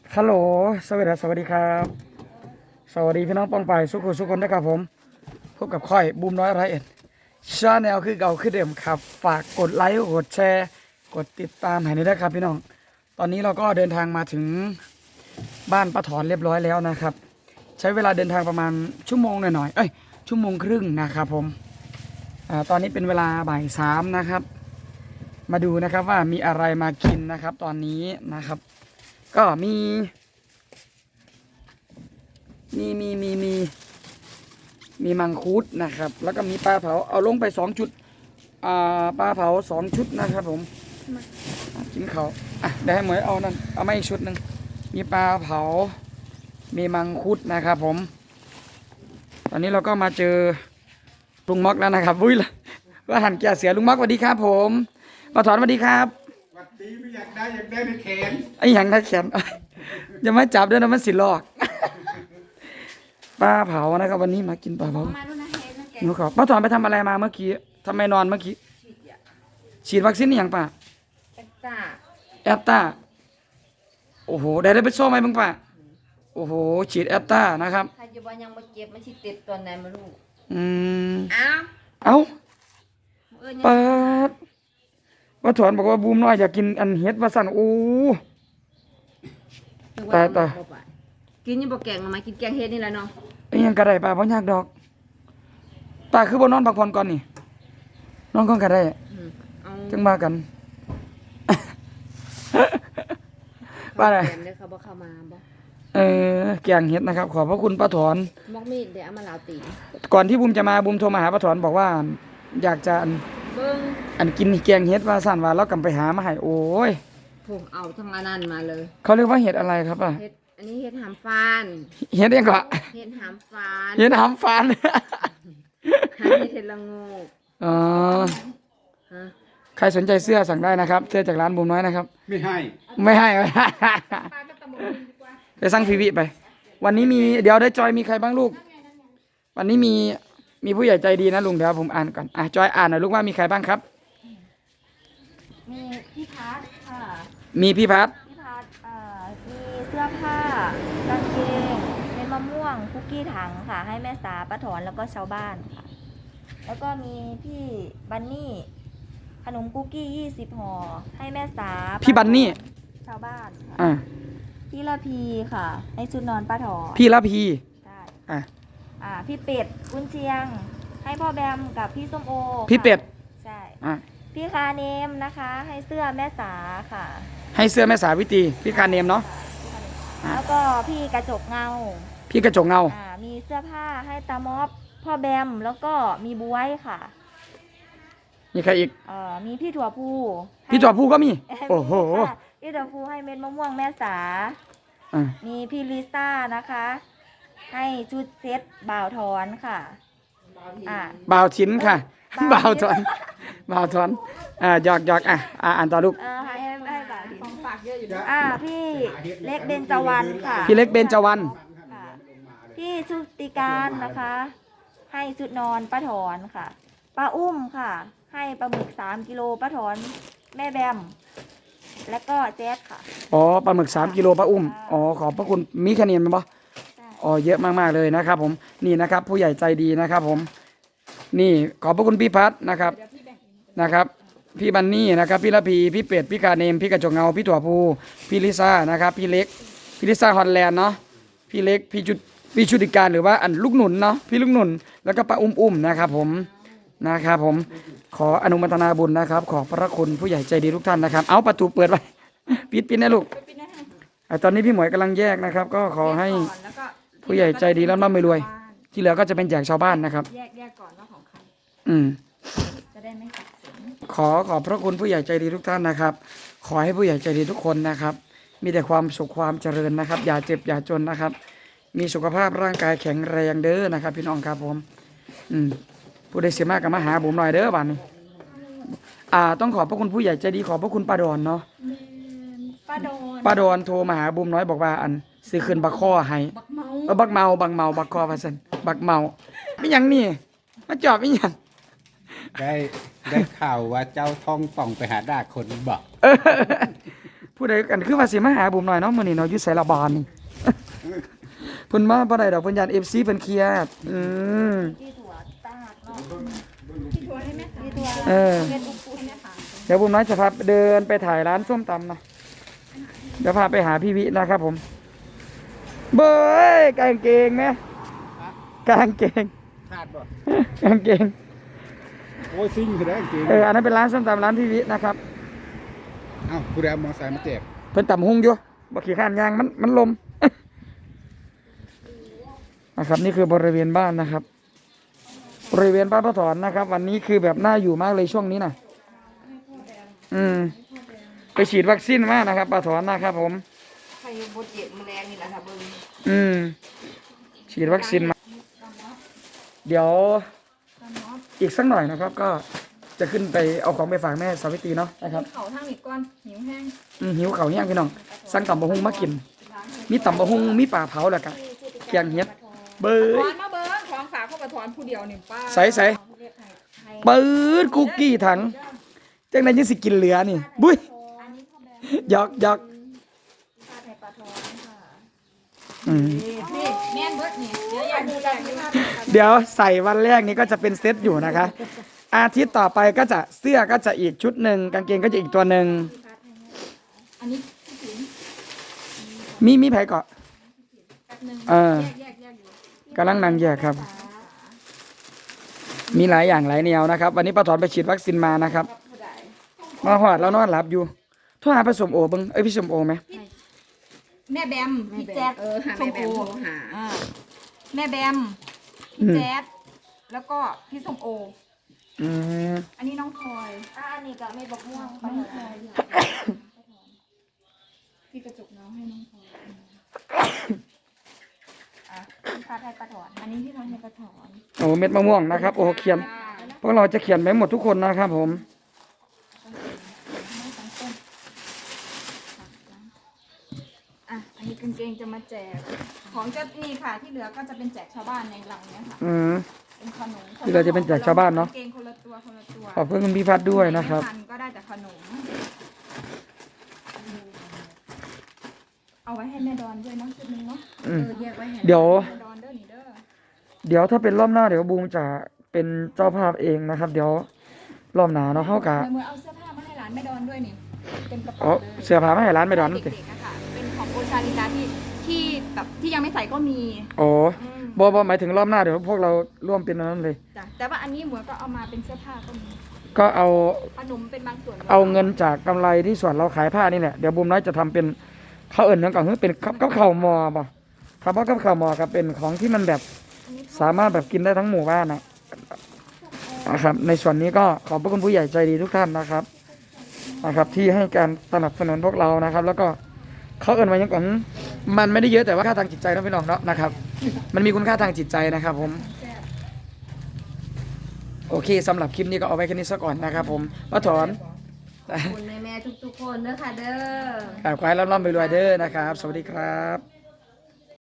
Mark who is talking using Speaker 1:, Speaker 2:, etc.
Speaker 1: ฮัลโหลสวัสดีครับสวัสดีพี่น้องปองไปสุขคนนะครับผมพบกับค่อยบูมน้อยไรเอ็ดชาแนลคือเก่าคือเดิมครับฝากกดไลค์กดแชร์กดติดตามให้ด้วยนะครับพี่น้องตอนนี้เราก็เดินทางมาถึงบ้านป้าถอนเรียบร้อยแล้วนะครับใช้เวลาเดินทางประมาณชั่วโมงหน่อยชั่วโมงครึ่งนะครับผมตอนนี้เป็นเวลาบ่ายสามนะครับมาดูนะครับว่ามีอะไรมากินนะครับตอนนี้นะครับก็มีมังคุดนะครับแล้วก็มีปลาเผาเอาลงไป2 ชุดปลาเผา2 ชุดนะครับผมกินเขาได้ให้หมวยเอานั่นเอามาอีกชุดหนึ่งมีปลาเผามีมังคุดนะครับผมตอนนี้เราก็มาเจอลุงม็อกแล้วนะครับวุ้ยละว่าหันแก่เสียลุงม็อกสวัสดีครับผมมาถอนสวัสดีครับ
Speaker 2: สวัสดีไม่อยากได้ในแขน
Speaker 1: ไอ้หยังได้แขนจะมาจับด้วยนะมันสิลอกปลาเผานะครับวันนี้มากินปลาเผาหนูขอป้าถอนไปทำอะไรมาเมื่อกี้ทำไมนอนเมื่อกี้ฉีดวัคซีนอย่างป่ะแอตตาโอ้โหได้ไปโซ่ไหมบ้างป่ะโอ้โหฉีดแอตตานะครับ
Speaker 3: ถ้าจะว่ายังมาเจ็บไม่ฉีดติดตัวไหนมาลูก
Speaker 1: เอ้า
Speaker 3: เปิ
Speaker 1: ดป้าถอนบอกว่าบูมน้อยอยากกินอันเฮ็ดว่าสั่นโอ้ตาย
Speaker 3: กินยังบอกแกงมากินแกงเฮ็ดนี่แหละเนาะ
Speaker 1: ยังกระไรป่ะเพราะยากดอกตาคือบ่นอนพักผ่อนก่อนนี่นอนก่อนกระไรจังมากันป้าอะไร
Speaker 3: เขาบอกเข้ามาบอก
Speaker 1: แกงเฮ็ดนะครับขอบพระคุณป้าถอน
Speaker 3: บอกมีดเดี๋ยวเอามาลาวตี
Speaker 1: ก่อนที่บูมจะมาบูมโทรมาหาป้าถอนบอกว่าอยากจะอันกินแกงเฮ็ดว่าสั่นว่าแล้วกลับไปหามาให้โอ้ย
Speaker 3: ผมเอาทั้งอันนั้นมาเลย
Speaker 1: เขาเรียกว่าเห็ดอะไรครับอ่ะ
Speaker 3: อันนี้เห็ดหามฟาน
Speaker 1: เห็ดยังก็
Speaker 3: เห็ดหามฟาน
Speaker 1: เห็ดหามฟาน
Speaker 3: เห็ดละโงก
Speaker 1: อ๋อใครสนใจเสื้อสั่งได้นะครับเสื้อจากร้านบูมน้อยนะครับ
Speaker 2: ไม่ให้
Speaker 1: ไปสั่งพีวีไปวันนี้มีเดี๋ยวได้จอยมีใครบ้างลูกวันนี้มีผู้ใหญ่ใจดีนะลุงเดี๋ยวผมอ่านก่อนจอยอ่านหน่อยลูกว่ามีใครบ้างครับ
Speaker 4: มีพี่พัดค่ะ
Speaker 1: มีพี่พัด
Speaker 4: มีเสื้อผ้ากางเกงเป็นมะม่วงคุกกี้ถังค่ะให้แม่สาป้าถอนแล้วก็ชาวบ้านค่ะแล้วก็มีพี่บันนี่ขนมคุกกี้20 ห่อให้แม่สา
Speaker 1: พี่บันนี่
Speaker 4: ชาวบ้านค่ะพี่ละพีค่ะให้ชุดนอนป้าถอน
Speaker 1: พี่ละพี
Speaker 4: ใช่พี่เป็ดกุนเชียงให้พ่อแบมกับพี่ส้มโอ
Speaker 1: พี่เป็ด
Speaker 4: ใช่พี่คาเนมนะคะให้เสื้อแม่สาค่ะ
Speaker 1: ให้เสื้อแม่สาวิตีพี่คาเนมเนาะ
Speaker 4: แล้วก็พี่กระจกเงา
Speaker 1: พี่กระจกเงา
Speaker 4: มีเสื้อผ้าให้ตามอบพ่อแบมแล้วก็มีบ๊วยค่ะ
Speaker 1: มีใครอีก
Speaker 4: มีพี่ถั่วพู
Speaker 1: ก็มีโอ้โห
Speaker 4: พี่ถั่วพูให้เม็ดมะม่วงแม่สามีพี่ลิซ่านะคะให้ชุดเซ็ตบ่าวถอนค่ะ
Speaker 1: บ่าวชิ้นค่ะบ่าวถอนหยอกอ่านต่อลูก
Speaker 4: ให้บ่าวของฝากเยอะอยู่ด้วยพี่เล็กเบญจวรรณค่ะ
Speaker 1: พี่เล็กเบญจวรรณ
Speaker 4: พี่ชุติการนะคะให้ชุดนอนป้าถอนค่ะป้าอุ้มค่ะให้ปลาหมึก3 กิโลป้าถอนแม่แบมแล้วก็แจ๊ดค่ะ
Speaker 1: ปลาหมึก3 กิโลป้าอุ้มขอบพระคุณมีคะแนนไหมบ่เยอะมากๆเลยนะครับผมนี่นะครับผู้ใหญ่ใจดีนะครับผมนี่ขอบพระคุณพี่พัดนะครับพี่บันนี่นะครับพี่ละพีพี่เป็ดพี่กาเนมพี่กระจกเงาพี่ถั่วพูพี่ลิซ่านะครับพี่ลิซ่าฮอลแลนด์เนาะพี่เล็กพี่ชุติการหรือว่าอันลูกหนุนเนาะพี่ลูกหนุนแล้วก็ป้าอุ้มนะครับผมขออนุโมทนาบุญนะครับขอบพระคุณผู้ใหญ่ใจดีทุกท่านนะครับเอาประตูเปิดไว้ปิดนะลูกตอนนี้พี่หมวยกำลังแยกนะครับก็ขอให้ผู้ใหญ่ใจดีแล้วร่ำไม่รวยที่เหลือก็จะเป็นแจกชาวบ้านนะครับ
Speaker 4: แยกก่อนว่าของใครจะได้ไม่สับสน
Speaker 1: ขอบพระคุณผู้ใหญ่ใจดีทุกท่านนะครับขอให้ผู้ใหญ่ใจดีทุกคนนะครับมีแต่ความสุขความเจริญนะครับอย่าเจ็บอย่าจนนะครับมีสุขภาพร่างกายแข็งแรงเด้อนะครับพี่น้องครับผมผู้ใดเสียมากกับมาหาผมหน่อยเด้อบ้านนี้ต้องขอบพระคุณผู้ใหญ่ใจดีขอบพระคุณป้าดอนเนาะป้าดอนโทรมาหาบุมน้อยบอกว่าอันซื้อคืนบักข้อให้บักเมาบักคอว่าซั่นบักเมาไม่ยังนี่มาจอบไม่ยัง
Speaker 2: ได้ข่าวว่าเจ้าท่องป่องไปหาด่าคนบอก
Speaker 1: ผู้ใดกันคือว่าสิมาหาบุ๋มหน่อยเนาะมื้อนี้เนาะอยู่ไสละบานนี่ เพิ่นมาบ่ได้ดอกเพิ่นยาน FC เพิ่นเครียด
Speaker 4: ที่ถั่วตาดเนาะ
Speaker 3: พี่ทัวร์ให้แม่ค่ะ
Speaker 4: ที่ถั่ว
Speaker 1: เออ
Speaker 4: เม็ดอุปุให้แม่ค่ะ
Speaker 1: เดี๋ยวบุ๋มน้อยจะพาเดินไปถ่ายร้านส้มตำนะเดี๋ยวพาไปหาพี่วินะครับผมเบ้ยกางเกงไหมกางเกง
Speaker 2: ขาดบ่
Speaker 1: กางเกง
Speaker 2: โอ้ยซิ่งคือได้จริง
Speaker 1: อันนั้นเป็นร้านส้มตำร้านพี่วินะครับ
Speaker 2: เอ้าผู้ใดเอามอไซค์มาแจก
Speaker 1: เพิ่นตำหุงอยู่บ่ขี้ข้านยางมันลม นะครับนี่คือบริเวณบ้านนะครับ บริเวณบ้านป้าถอนนะครับ วันนี้คือแบบน่าอยู่มากเลยช่วงนี้นะไปฉีดวัคซีนมานะครับป้าถอนนะครับ ผม
Speaker 3: ใครบดเย็นแมลงนี่แหละค่ะเบิ้ง
Speaker 1: ฉีดวัคซีนมา เดี๋ยวอีกสักหน่อยนะครับ ก็จะขึ้นไปเอาของไปฝากแม่สาวิตรีเนาะนะครับ
Speaker 3: เขาทางนี้ก่อนหิวแห้ง
Speaker 1: หิวเขาวแห้งพี่น้องสั่งตำบะฮุงมากิน มีตำบะฮุงมีปลาเผาแล้วก็แกงเห็ดเบ้ย
Speaker 3: ถอนมาเบิ้งของฝากเข้าไปถอนผู้เดียวนี่ป้า
Speaker 1: ใส่ปืดคุกกี้ถังจังนั้นยังสิกินเหลือนี่บุ้ย
Speaker 4: อันนี้พ่อแบม
Speaker 1: หยอกหยอก
Speaker 4: ผ้าไทยปลาทอนค่ะ
Speaker 3: นี่แม่นเบิดนี่เดี๋ยวอยากดูแลที่ว่า
Speaker 1: เดี๋ยวใส่วันแรกนี้ก็จะเป็นเซตอยู่นะคะ อาทิตย์ต่อไปก็จะเสื้อก็จะอีกชุดหนึ่งกางเกงก็จะอีกตัวหนึ่ง
Speaker 3: อันนี้
Speaker 1: มีไผเกาะ
Speaker 3: แป๊บนึง
Speaker 1: เออ
Speaker 3: แยกอยู่
Speaker 1: กำลังนั่งแยกครับ มีหลายอย่างหลายแนวนะครับ วันนี้ป้าถอนไปฉีดวัคซีนมานะครับ
Speaker 3: ผู้ใด
Speaker 1: มาหอดแล้วนอนหลับอยู่โทรหาผสมโอเบิ้งเอ้ยพี่สมโอไหม
Speaker 3: แม่แบมพี่แจ๊ด
Speaker 5: หาแม่แบมโทรหา
Speaker 3: อ่าแม่แบมพี่แจ๊ดแล้วก็พี่ส้มโอ
Speaker 1: อืม
Speaker 3: อันนี้น้องพลอย
Speaker 4: อันนี้ก็เม็ดบกม่วงปลาทอน
Speaker 3: พี่กระจกน้องให้น้องพลอย
Speaker 4: ผ้าไทยปลาทอน
Speaker 3: อันนี้พี่ทำให้กระถอน
Speaker 1: โอ้เม็ดมะม่วงนะครับโอ้เขียนพวกเราจะเขียนไปหมดทุกคนนะครับผม
Speaker 3: อ่ะอันนี้กางเกงจะมาแจกของจะนี่ค่ะที่เหลือก็จะเป็นแจกชาวบ้านในหลังเนี้ยค่ะ
Speaker 1: อืม
Speaker 3: เป็นขนม
Speaker 1: ที่เหลือจะเป็นแจกชาวบ้านเนอะ
Speaker 3: กงเกงคนละตัวคนละตัว
Speaker 1: ขอบคุณคุณพี่พัดด้วยนะครับ
Speaker 3: ไม่ทัก็ได้แต่ขนม เอาไว้ให้แม่ดอนด้วยเนาะชุดนึงเนาะ
Speaker 1: อืม
Speaker 3: แยกไว้ให้
Speaker 1: เดี๋ยว
Speaker 3: แม่ดอนเด้อนี่เด้อ
Speaker 1: เดี๋ยวถ้าเป็นรอบหน้าเดี๋ยวบูมจะเป็นเจ้าภาพเองนะครับ เดี๋ยวรอบหน้าเนาะเข้ากะ
Speaker 3: เดี๋ยวมือเอาเสื้อผ้ามาให้หลานแม่ดอนด้วยนี่เป็นกระ
Speaker 1: อ๋อ
Speaker 3: เป๋าเลย
Speaker 1: เสื้อผ้ามาให้ร้านไม่ดอน
Speaker 3: เด็
Speaker 1: นี่ติ
Speaker 3: กๆอะค่ะเป็นของโอชาลิกาที่แบบที่ยังไม่ใส่ก็มี
Speaker 1: โอ้
Speaker 3: อืม
Speaker 1: บ่หมายถึงรอบหน้าเดี๋ยวพวกเราร่วมเป็นอันนั้นเลย
Speaker 3: จ้ะแต่ว่าอันนี้หมวยก็เอามาเป็นเสื้อผ้าก็มี
Speaker 1: ก็เอา
Speaker 3: ขนมเป็นบางส่วน
Speaker 1: เอาเงินจากกำไรที่ส่วนเราขายผ้านี่แหละเดี๋ยวบูมน้อยจะทำเป็นเขาเอิ่นเนื่องกับเป็นกับข้าวหมอป่ะครับเพราะกับข้าวหมอครับเป็นของที่มันแบบสามารถแบบกินได้ทั้งหมู่บ้านนะครับ ในส่วนนี้ก็ขอบพระคุณผู้ใหญ่ใจดีทุกท่านนะครับที่ให้การสนับสนุนพวกเรานะครับ แล้วก็เขาเอิ่นมายังก่อนมันไม่ได้เยอะแต่ว่าค่าทางจิตใจนะพี่น้องเนาะนะครับ มันมีคุณค่าทางจิตใจนะครับ ผม โอเคสำหรับคลิปนี้ก็เอาไว้แค่นี้ซะก่อนนะครับ ผมป้าถอน
Speaker 5: คุณแม่ๆทุกๆคนเด้อค่ะเด้อ
Speaker 1: ขอให้ร่ำๆรวยๆเด้อนะครับ สวัสดีครับ